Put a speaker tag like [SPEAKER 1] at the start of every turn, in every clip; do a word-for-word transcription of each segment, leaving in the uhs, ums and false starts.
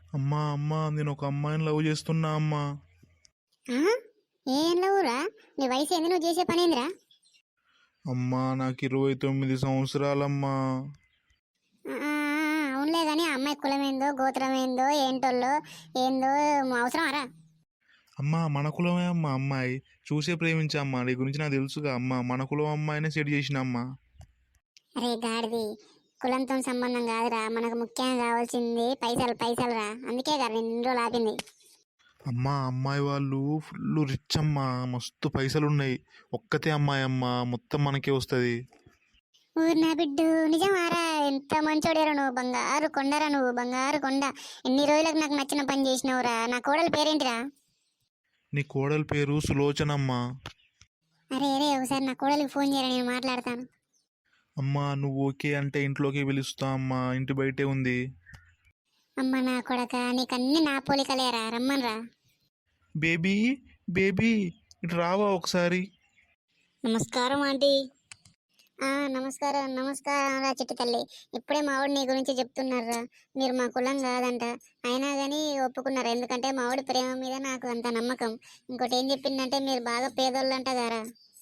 [SPEAKER 1] అమ్మా అమ్మా నేను ఒక అమ్మాయిని లవ్ చేస్తున్నా అమ్మా.
[SPEAKER 2] ఆ? ఏం లవ్వురా? నీ వయసు ఏంది, నువ్వు చేసే పని ఏందిరా?
[SPEAKER 1] అమ్మా నాకు ఇరవై తొమ్మిది సంవత్సరాలమ్మా.
[SPEAKER 2] ఆ, ఆ, ఆ, అవునులే కానీ ఆ అమ్మాయి కులం ఏందో గోత్రం ఏందో ఏంటోల్లో ఏందో అవసరం అరా?
[SPEAKER 1] అమ్మా మన కులమే అమ్మా అమ్మాయి. చూసే ప్రేమించా అమ్మా, నీ గురించి నాకు తెలుసుగా అమ్మా. మన కులం అమ్మాయినే సెట్ చేసిన అమ్మా.
[SPEAKER 2] అరే గాడిది, కులంతో సంబంధం కాదురా, మనకు ముఖ్యంగా కావాల్సింది పైసలు పైసలు రా. అందుకే కదా నేను ఇన్ని రోజులు ఆపింది.
[SPEAKER 1] అమ్మా అమ్మాయి వాళ్ళు ఫుల్ రిచ్ అమ్మా, మస్తు పైసలు ఉన్నాయి. ఒక్కతే అమ్మాయి అమ్మా, మొత్తం మనకే వస్తుంది.
[SPEAKER 2] ఊరు నా బిడ్డు, నిజమారా? ఎంత మంచోడేరా నువ్వు, బంగారు కొండరా నువ్వు, బంగారు కొండ. ఎన్ని రోజులకు నాకు నచ్చిన పని చేసినావురా. నా కోడలు పేరేంటిరా?
[SPEAKER 1] నీ కోడలి పేరు సులోచనమ్మా.
[SPEAKER 2] అరే అరే, ఒకసారి నా కోడలికి ఫోన్ చేయరా, నేను మాట్లాడతాను.
[SPEAKER 1] అమ్మా నువ్వు ఓకే అంటే ఇంట్లోకి పిలుస్తా అమ్మా, ఇంటి బయటే ఉంది.
[SPEAKER 2] అమ్మ నా కొడక, నీకన్నీ నా పోలికలేరా, రమ్మన్రా.
[SPEAKER 1] బేబీ బేబీ ఇటు రావా ఒకసారి.
[SPEAKER 2] నమస్కారం ఆంటీ. ఆ నమస్కారం నమస్కారం రా చిట్టి తల్లి. ఇప్పుడే మావాడు నీ గురించి చెప్తున్నారా. మీరు మా కులం కాదంట, అయినా కానీ ఒప్పుకున్నారు. ఎందుకంటే మావాడి ప్రేమ మీద నాకు అంత నమ్మకం. ఇంకోటి ఏం చెప్పిందంటే మీరు బాగా పేదోళ్ళు అంట గారా.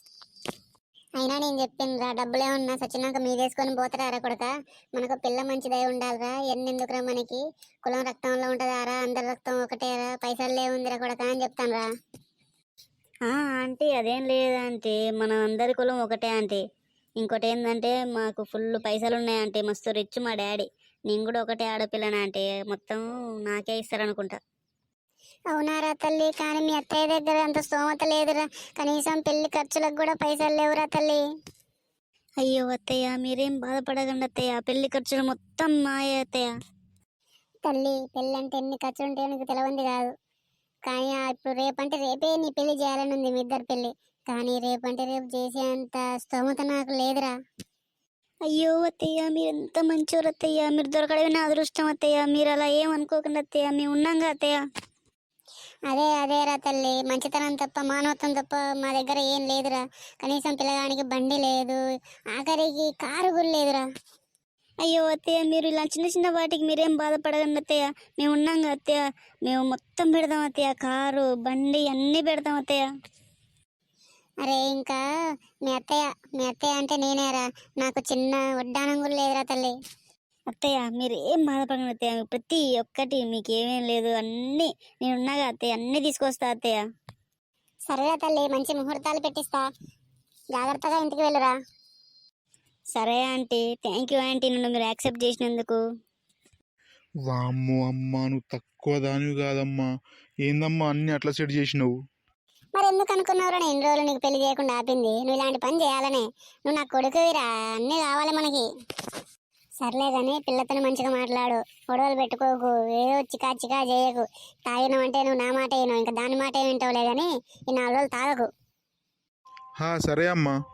[SPEAKER 2] అయినా నేను చెప్పిండ్రా, డబ్బులే ఉన్నా సచ్చినాక మీదేసుకొని పోతారా కొడక. మనకు పిల్ల మంచిదై ఉండాలిరా. ఎన్నెందుకురా మనకి, కులం రక్తంలో ఉంటుందారా, అందరి రక్తం ఒకటేరా, పైసల్లే ఉందిరా కొడక అని చెప్తాను రా.
[SPEAKER 3] ఆంటీ అదేం లేదు ఆంటీ, మనం అందరి కులం ఒకటే ఆంటీ. ఇంకోటి ఏంటంటే మాకు ఫుల్ పైసలు ఉన్నాయి ఆంటీ, మస్తు రిచ్ మా డాడీ. నేను కూడా ఒకటే ఆడపిల్లనా ఆంటీ, మొత్తం నాకే ఇస్తారనుకుంటా.
[SPEAKER 2] అవునారా తల్లి, కానీ మీ అత్తయ్య దగ్గర అంత స్తోమత లేదురా. కనీసం పెళ్లి ఖర్చులకు కూడా పైసలు లేవురా తల్లి.
[SPEAKER 3] అయ్యో అత్తయ్య, మీరేం బాధపడకండి అత్తయ్య, పెళ్లి ఖర్చులు మొత్తం మాయే అత్తయ్య.
[SPEAKER 2] తల్లి, పెళ్ళి అంటే ఎన్ని ఖర్చులు ఉంటాయో నీకు తెలియంది కాదు. కానీ ఆ ఇప్పుడు రేపంటే రేపే నీ పెళ్లి చేయాలని ఉంది, మీ ఇద్దరు పెళ్లి. కానీ రేపంటే రేపు చేసేంత స్తోమత నాకు లేదురా.
[SPEAKER 3] అయ్యో అత్తయ్య, మీరు ఎంత మంచివారు అత్తయ్య, మీరు దొరకడమే నా అదృష్టం అత్తయ్య. మీరు అలా ఏం అనుకోకండి అత్తయ్య, మేము ఉన్నాంగా అత్తయ్య.
[SPEAKER 2] అదే అదేరా తల్లి, మంచితనం తప్ప మానవత్వం తప్ప మా దగ్గర ఏం లేదురా. కనీసం పిల్లగానికి బండి లేదు, ఆఖరికి కారు కూడా లేదురా.
[SPEAKER 3] అయ్యో అత్తయ్య, మీరు ఇలా చిన్న చిన్న వాటికి మీరేం బాధపడకండి అత్తయ్య, మేము ఉన్నాంగా అత్తయ్య. మేము మొత్తం పెడతాం అత్తయ్య, కారు బండి అన్నీ పెడతాం అత్తయ్య.
[SPEAKER 2] అరే ఇంకా మీ అత్తయ్య మీ అత్తయ్య అంటే నేనేరా. నాకు చిన్న వడ్డానం కూడా లేదురా తల్లి.
[SPEAKER 3] అత్తయ్య మీరు ఏం బాధపడకండి అత్తయ్య, ప్రతి ఒక్కటి మీకు ఏమేం లేదు, అన్నీ నేను ఉన్నాగా అత్తయ్య, అన్నీ తీసుకొస్తా అత్తయ్య.
[SPEAKER 2] సరేరా తల్లి, మంచి ముహూర్తాలు పెట్టిస్తా, జాగ్రత్తగా ఇంటికి వెళ్ళురా.
[SPEAKER 3] సరే ఆంటీ, థ్యాంక్ యూ ఆంటీ, నన్ను మీరు యాక్సెప్ట్ చేసినందుకు.
[SPEAKER 1] వామ్మో అమ్మా, నువ్వు తక్కువ దానివి కాదమ్మా. ఏందమ్మా అన్ని అట్లా సెట్ చేసినావు?
[SPEAKER 2] మరి ఎందుకు అనుకున్నావురా నేను ఇన్ని రోజులు నీకు పెళ్లి చేయకుండా ఆపింది? నువ్వు ఇలాంటి పని చేయాలనే. నువ్వు నా కొడుకువిరా, అన్నీ కావాలి మనకి. సర్లే కానీ పిల్లతోనే మంచిగా మాట్లాడు, గొడవలు పెట్టుకోకు, ఏదో చికా చికా చేయకు. తాగినావంటే నువ్వు నా మాట వినవు, ఇంకా దాని మాట వింటావులే కానీ ఈ నాలుగు రోజులు తాగకు.
[SPEAKER 1] హా సరే అమ్మా.